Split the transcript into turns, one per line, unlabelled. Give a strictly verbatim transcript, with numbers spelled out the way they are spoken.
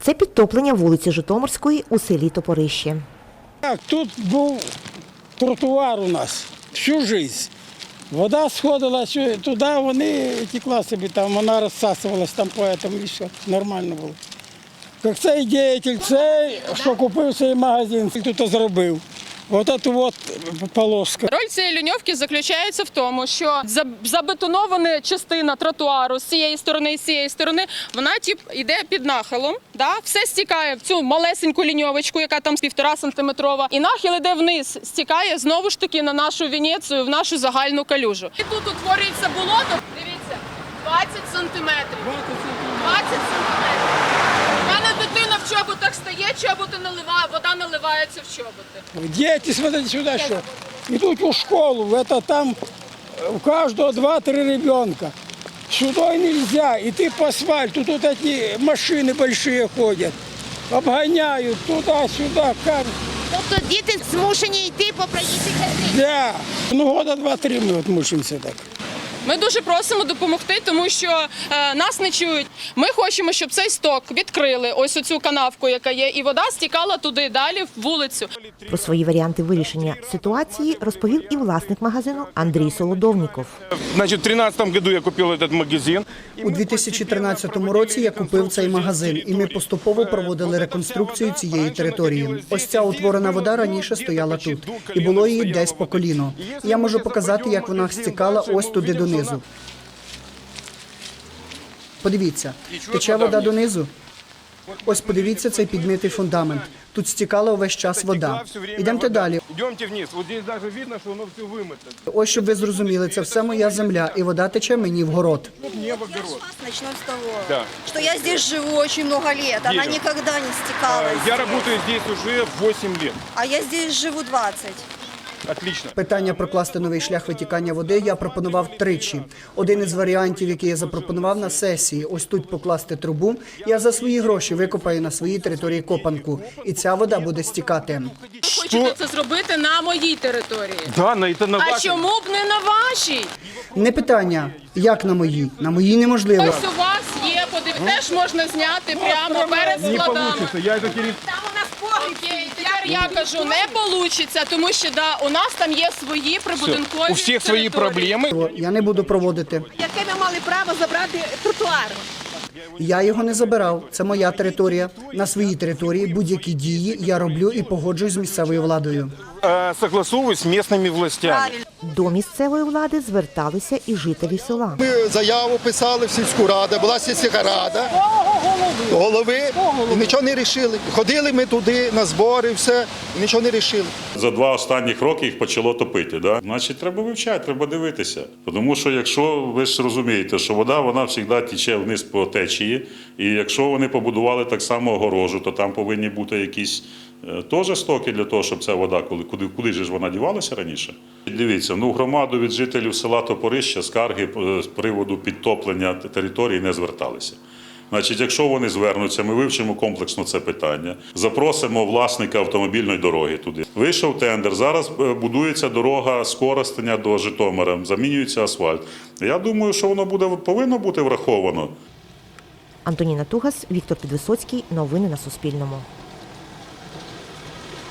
Це підтоплення вулиці Житомирської у селі Топорище.
Так, тут був тротуар у нас всю життя. Вода сходила туди, вони текла собі там, вона розсасувалась там поэтому і все, нормально було. Як цей діятель, цей, що купив цей магазин, тут зробив. Ось ця от полоска.
Роль цієї ліньовки заключається в тому, що забетонована частина тротуару з цієї сторони і з цієї сторони, вона тип, йде під нахилом, да? Все стікає в цю малесеньку ліньовочку, яка там півтора сантиметрова, і нахил йде вниз, стікає знову ж таки на нашу Венецію, в нашу загальну калюжу. І тут утворюється болото, дивіться, двадцять сантиметрів. двадцять сантиметрів. У мене дитина в чоботах стає, чоботи наливає, вода наливається в чоботи.
Діти, смотрите сюди, що йдуть у школу, це там у кожного два-три ребенка. Сюди не можна, йти по асфальту, тут ці машини великі ходять, обганяють туди-сюди.
Тобто діти змушені йти по проїжджій частині?
Да. Ну, года два-три ми от мучимося так.
Ми дуже просимо допомогти, тому що е, нас не чують. Ми хочемо, щоб цей сток відкрили, ось оцю канавку, яка є, і вода стікала туди, далі, в вулицю.
Про свої варіанти вирішення ситуації розповів і власник магазину Андрій Солодовніков.
Значить, в тринадцятому году я купив цей магазин.
У дві тисячі тринадцятому році я купив цей магазин, і ми поступово проводили реконструкцію цієї території. Ось ця утворена вода раніше стояла тут, і було її десь по коліно. Я можу показати, як вона стікала ось туди донизу. Подивіться, тече вода донизу. Ось подивіться цей підмитий фундамент. Тут стікала увесь час вода. Ідемте далі.
Йдемте вниз. Ось тут навіть видно, що воно все вимите.
Ось, щоб ви зрозуміли, це все моя земля, і вода тече мені в город.
Небо, город.
Начнем с того,
Да.
что я здесь живу очень много лет, она
Дерево.
никогда не стекала.
Я работаю здесь уже восемь лет.
А я здесь живу двадцать.
Отлично.
Питання прокласти новий шлях витікання води я пропонував тричі. Один із варіантів, який я запропонував на сесії, ось тут покласти трубу, я за свої гроші викопаю на своїй території копанку, і ця вода буде стікати.
Хочете це зробити на моїй території.
Да, на это на
А
вашей.
чому б не на вашій?
Не питання, як на моїй? На моїй неможливо.
Ось у вас є, подив... теж можна зняти прямо перед
Не
складами.
получится. Я это через...
Окей, тепер я кажу, не вийде, тому що да, у нас там є свої прибудинкові
У всіх свої
території.
проблеми.
Я не буду проводити.
Яке ми мали право забрати тротуар?
Я його не забирав. Це моя територія. На своїй території будь-які дії я роблю і погоджуюсь з місцевою владою.
Э, Согласовываюсь с местными властями.
До місцевої влади зверталися і жителі села.
Ми заяву писали в сільську раду, була сільська рада, голови, і нічого не рішили. Ходили ми туди на збори, все, і нічого не рішили.
За два останніх роки їх почало топити. Да? Значить, треба вивчати, треба дивитися. Тому що якщо ви ж розумієте, що вода вона завжди тече вниз по течії, і якщо вони побудували так само огорожу, то там повинні бути якісь е, теж стоки для того, щоб ця вода, коли, куди, куди ж вона дівалася раніше. Дивіться, ну, в громаду від жителів села Топорище скарги з приводу підтоплення території не зверталися. Значить, якщо вони звернуться, ми вивчимо комплексно це питання, запросимо власника автомобільної дороги туди. Вийшов тендер, зараз будується дорога з Коростеня до Житомира, замінюється асфальт. Я думаю, що воно буде, повинно бути враховано.
Антоніна Тугас, Віктор Підвисоцький. Новини на Суспільному.